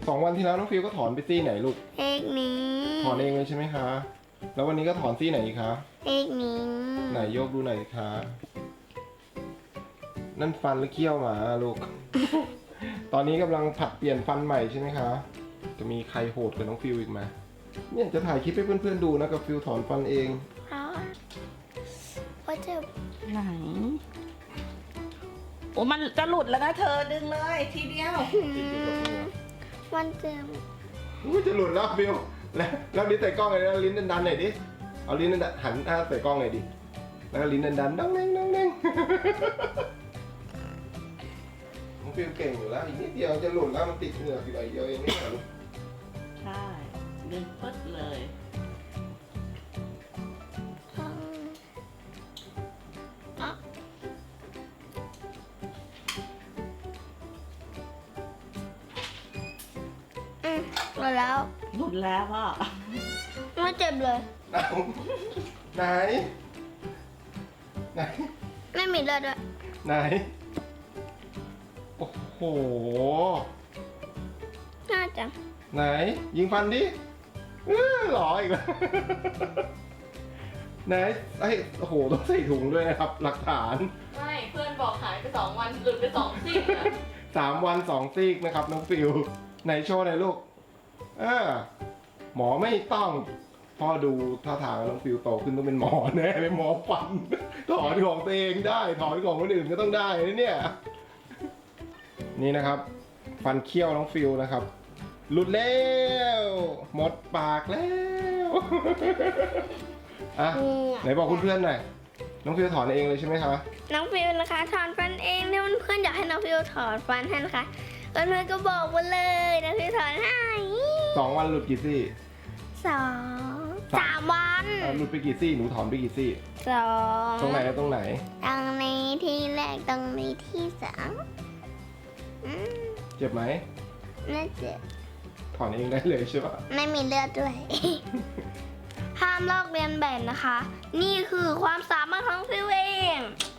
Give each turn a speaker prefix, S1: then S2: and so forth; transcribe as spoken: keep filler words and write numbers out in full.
S1: สองวันที่แล้วน้องฟิวก็ถอนไปซี่ไหนลูก
S2: เอกนี้
S1: ถอนเองเลยใช่ไหมคะ แล้ววันนี้ก็ถอนซี่ไหนอีกคะ
S2: เอกนี้
S1: ไหนโยกดูหน่อยสิคะ นั่นฟันหรือเขี้ยวหมาลูก ตอนนี้กำลังผัดเปลี่ยนฟันใหม่ใช่ไหมคะ จะมีใครโหดกับน้องฟิวอีกไหมเนี่ยจะถ่ายคลิปให้เพื่อนๆดูนะกับฟิวถอนฟันเอง
S2: เพราะว่าจะ
S3: ไหนโอ้มันจะหลุดแล้วนะเธอดึงเลยทีเดียว
S2: มันจะ
S1: อุ้ยจะหลุดแล้วฟิวแล้วแล้วลิ้นใส่กล้องเลยนะลิ้นดันๆหน่อยดิ เอาลิ้นดันๆหันหน้าใส่กล้องหน่อยดิ แล้วก็ลิ้นดันๆดังเน่งดังเน่ง น้องฟิวเก่งอยู่แล้วอีกนิดเดียวจะหลุดแล้วมันติดเหงือกอยู่หน่อยเดียวเองนี่เหรอลูก
S3: ใช่ดึงปึ๊ดเลย
S2: ต้องอ่ะอืมหมดแล้ว
S3: หลุดแล้วพ่อ
S2: ไม่เจ็บเลย
S1: เอาไหน ไหน
S2: ไม่มีเลือดด้วย
S1: ไหน โอ้โห
S2: น่าจะ
S1: ไหน ยิงฟันดิเออหล่ออีกแล้ว ไหนไอ้โอ้โหต้องใส่ถุงด้วยนะครับ หลักฐาน
S4: ไม่เพื่อนบอกหายไปสองวันหลุดไปสองซี่อะ
S1: สามวันสองซีกนะครับน้องฟิวไหนโชว์หน่อยลูกเออหมอไม่ต้องพ่อดูท่าทางน้องฟิวโตขึ้นต้องเป็นหมอแน่เป็นหมอฟัน ถอนของตัวเองได้ถอนของคนอื่นก็ต้องได้นะเนี่ย นี่นะครับ ฟันเคี้ยวน้องฟิวนะครับ หลุดแล้วหมดปากแล้ว อ่ะไหนบอกเพื่อนๆหน่อยน้องฟิวถอนเองเลยใช่ไหมคะ
S2: น้องฟิวนะคะถอนฟันเองถ้าเพื่อนๆอยากให้น้องฟิวถอนฟันให้นะคะเพื่อนๆก็บอกมาเลยน้องฟิวถอนให้
S1: สองวันหลุดกี่ซี่
S2: สองสามวัน
S1: อ่ะหลุดไปกี่ซี่หนูถอนไปกี่ซี่
S2: สอง
S1: ตรงไหนและตรงไหน
S2: ตรงนี้ที่แรกตรงนี้ที่สองอืม
S1: เจ็บไหม
S2: น่าเจ็บ
S1: ถอนเองได้เลยใช่ปะ
S2: ไม่มีเลือดด้วย ห้ามลอกเลียนแบบนะคะ นี่คือความสามารถของฟิวเอง